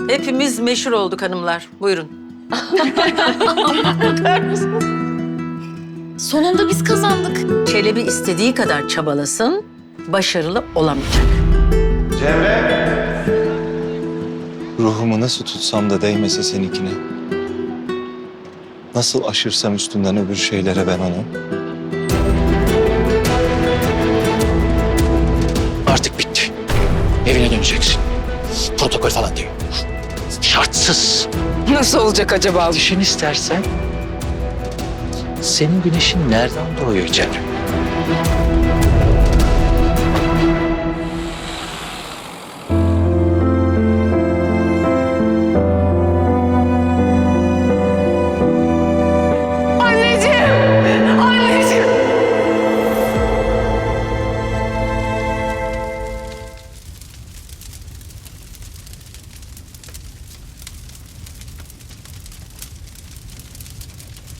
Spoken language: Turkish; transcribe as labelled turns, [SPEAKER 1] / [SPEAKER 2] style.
[SPEAKER 1] Hepimiz meşhur olduk hanımlar. Buyurun.
[SPEAKER 2] Sonunda biz kazandık.
[SPEAKER 1] Çelebi istediği kadar çabalasın, başarılı olamayacak.
[SPEAKER 3] Ruhumu nasıl tutsam da değmese seninkine. Nasıl aşırsam üstünden öbür şeylere ben onu.
[SPEAKER 4] Artık bitti. Evine döneceksin. Protokol falan değil. Şartsız.
[SPEAKER 5] Nasıl olacak acaba?
[SPEAKER 4] Düşün istersen. Senin güneşin nereden doğuyor Cemre?